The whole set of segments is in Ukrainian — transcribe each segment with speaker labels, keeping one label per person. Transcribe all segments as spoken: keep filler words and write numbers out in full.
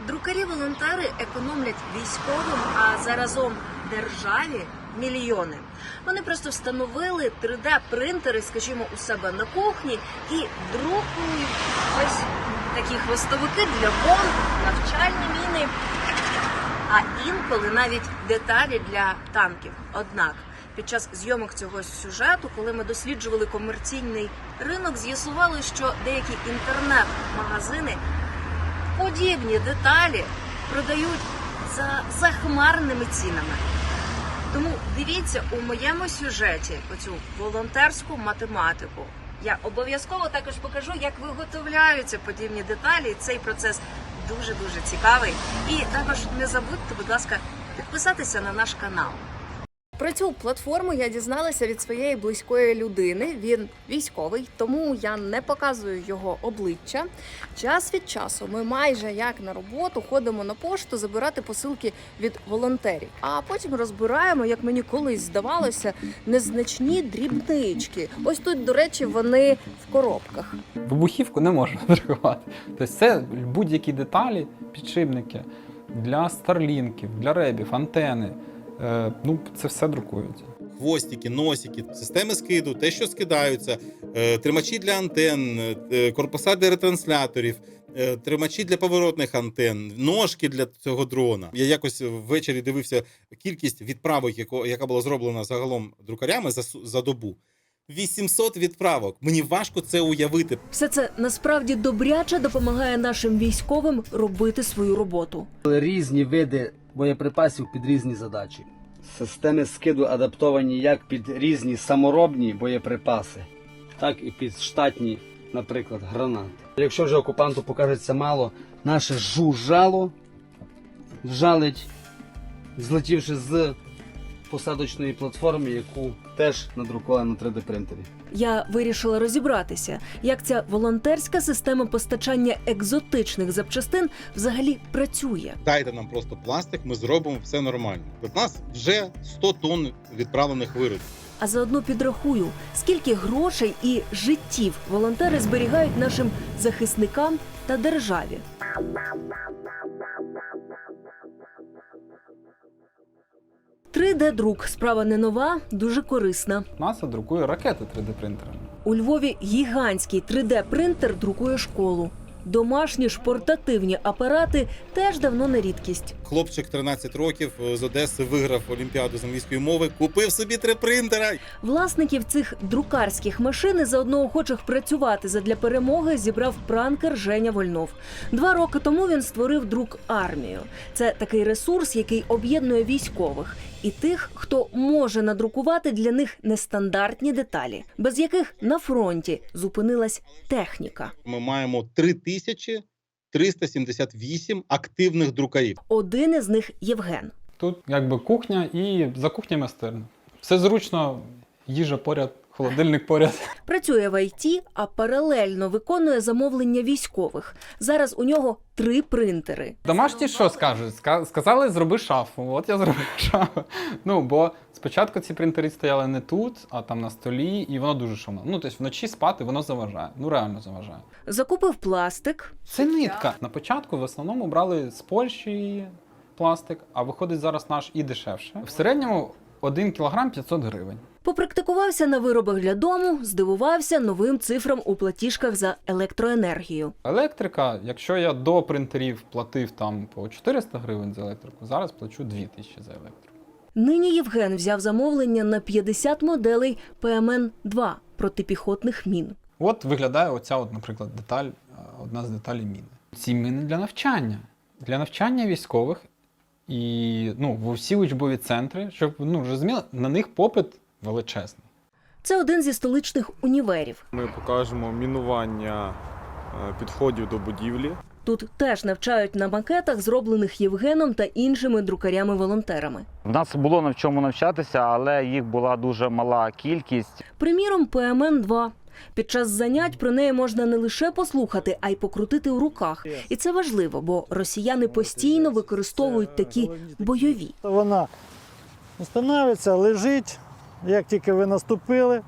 Speaker 1: Друкарі-волонтери економлять військовим, а заразом державі мільйони. Вони просто встановили три де принтери, скажімо, у себе на кухні і друкують ось такі хвостовики для бомб, навчальні міни, а інколи навіть деталі для танків. Однак під час зйомок цього сюжету, коли ми досліджували комерційний ринок, з'ясували, що деякі інтернет-магазини подібні деталі продають за захмарними цінами. Тому дивіться у моєму сюжеті оцю волонтерську математику. Я обов'язково також покажу, як виготовляються подібні деталі. Цей процес дуже-дуже цікавий. І також не забудьте, будь ласка, підписатися на наш канал. Про цю платформу я дізналася від своєї близької людини. Він військовий, тому я не показую його обличчя. Час від часу ми майже як на роботу ходимо на пошту забирати посилки від волонтерів. А потім розбираємо, як мені колись здавалося, незначні дрібнички. Ось тут, до речі, вони в коробках.
Speaker 2: Вибухівку не можна друкувати. Тобто це будь-які деталі, підшипники для старлінків, для ребів, антени. Ну, це все друкується.
Speaker 3: Хвостики, носики, системи скиду, те, що скидаються, тримачі для антен, корпуса для ретрансляторів, тримачі для поворотних антен, ножки для цього дрона. Я якось ввечері дивився кількість відправок, яка була зроблена загалом друкарями за, за добу. вісімсот відправок. Мені важко це уявити.
Speaker 1: Все це насправді добряче допомагає нашим військовим робити свою роботу.
Speaker 4: Різні види боєприпасів під різні задачі. Системи скиду адаптовані як під різні саморобні боєприпаси, так і під штатні, наприклад, гранати. Якщо вже окупанту покажеться мало, наше жужжало жалить, злетівши з посадочної платформи, яку теж надрукували на три де принтері.
Speaker 1: Я вирішила розібратися, як ця волонтерська система постачання екзотичних запчастин взагалі працює.
Speaker 3: Дайте нам просто пластик, ми зробимо все нормально. У нас вже сто тонн відправлених виробів.
Speaker 1: А заодно підрахую, скільки грошей і життів волонтери зберігають нашим захисникам та державі. три де-друк – справа не нова, дуже корисна.
Speaker 2: НАСА друкує ракети три де принтерами.
Speaker 1: У Львові гігантський три де-принтер друкує школу. Домашні ж портативні апарати теж давно не рідкість.
Speaker 3: Хлопчик тринадцять років з Одеси виграв Олімпіаду з англійської мови, купив собі три принтера.
Speaker 1: Власників цих друкарських машин і заодно охочих працювати задля перемоги зібрав пранкер Женя Вольнов. Два роки тому він створив друк армію. Це такий ресурс, який об'єднує військових і тих, хто може надрукувати для них нестандартні деталі, без яких на фронті зупинилась техніка.
Speaker 3: Ми маємо три тисячі триста сімдесят вісім активних друкарів.
Speaker 1: Один із них – Євген.
Speaker 2: Тут якби кухня і за кухня майстерня. Все зручно, їжа поряд, холодильник поряд.
Speaker 1: Працює в ай ті, а паралельно виконує замовлення військових. Зараз у нього три принтери.
Speaker 2: Домашні що скажуть? Сказали, зроби шафу. От я зробив шафу. Ну, бо спочатку ці принтери стояли не тут, а там на столі, і воно дуже шумно. Ну, тобто вночі спати воно заважає. Ну, реально заважає.
Speaker 1: Закупив пластик.
Speaker 2: Це нитка. На початку в основному брали з Польщі пластик, а виходить зараз наш і дешевше. В середньому один кілограм п'ятсот гривень.
Speaker 1: Попрактикувався на виробах для дому, здивувався новим цифрам у платіжках за електроенергію.
Speaker 2: Електрика, якщо я до принтерів платив там по чотириста гривень за електрику, зараз плачу дві тисячі за електрику.
Speaker 1: Нині Євген взяв замовлення на п'ятдесят моделей пе ем ен два протипіхотних мін.
Speaker 2: От виглядає оця, от, наприклад, деталь, одна з деталей міни. Ці міни для навчання. Для навчання військових і ну, в усі учбові центри, щоб, ну, розуміли, на них попит величезний.
Speaker 1: Це один зі столичних універів.
Speaker 5: Ми покажемо мінування підходів до будівлі.
Speaker 1: Тут теж навчають на макетах, зроблених Євгеном та іншими друкарями-волонтерами.
Speaker 6: В нас було на чому навчатися, але їх була дуже мала кількість.
Speaker 1: Приміром, пе ем ен два. Під час занять про неї можна не лише послухати, а й покрутити у руках. І це важливо, бо росіяни постійно використовують такі бойові.
Speaker 7: Вона становиться, лежить, як тільки ви наступили,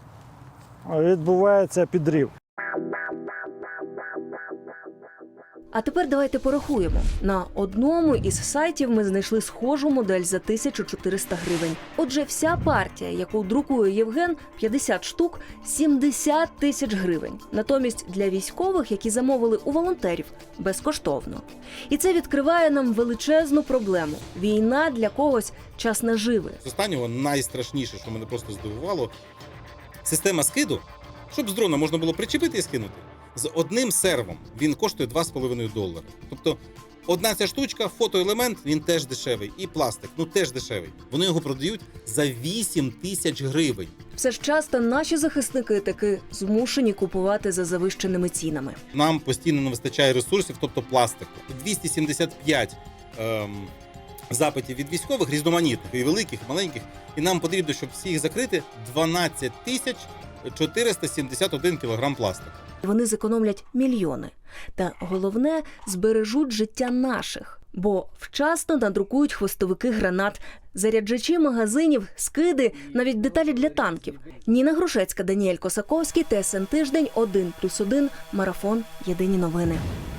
Speaker 7: відбувається підрив.
Speaker 1: А тепер давайте порахуємо. На одному із сайтів ми знайшли схожу модель за тисячу чотириста гривень. Отже, вся партія, яку друкує Євген, п'ятдесят штук, сімдесят тисяч гривень. Натомість для військових, які замовили у волонтерів, безкоштовно. І це відкриває нам величезну проблему. Війна для когось – час наживи.
Speaker 3: З останнього найстрашніше, що мене просто здивувало, система скиду, щоб з дрона можна було причепити і скинути, з одним сервом він коштує два з половиною долари. Тобто одна ця штучка, фотоелемент, він теж дешевий, і пластик, ну теж дешевий. Вони його продають за вісім тисяч гривень.
Speaker 1: Все ж часто наші захисники таки змушені купувати за завищеними цінами.
Speaker 3: Нам постійно не вистачає ресурсів, тобто пластику. двісті сімдесят п'ять ем, запитів від військових, різноманітних, і великих, і маленьких, і нам потрібно, щоб всі їх закрити, дванадцять тисяч чотириста сімдесят один кілограм пластику.
Speaker 1: Вони зекономлять мільйони. Та головне – збережуть життя наших. Бо вчасно надрукують хвостовики гранат, заряджачі магазинів, скиди, навіть деталі для танків. Ніна Грушецька, Даніель Косаковський, Т С Н Тиждень, один плюс один, Марафон, Єдині новини.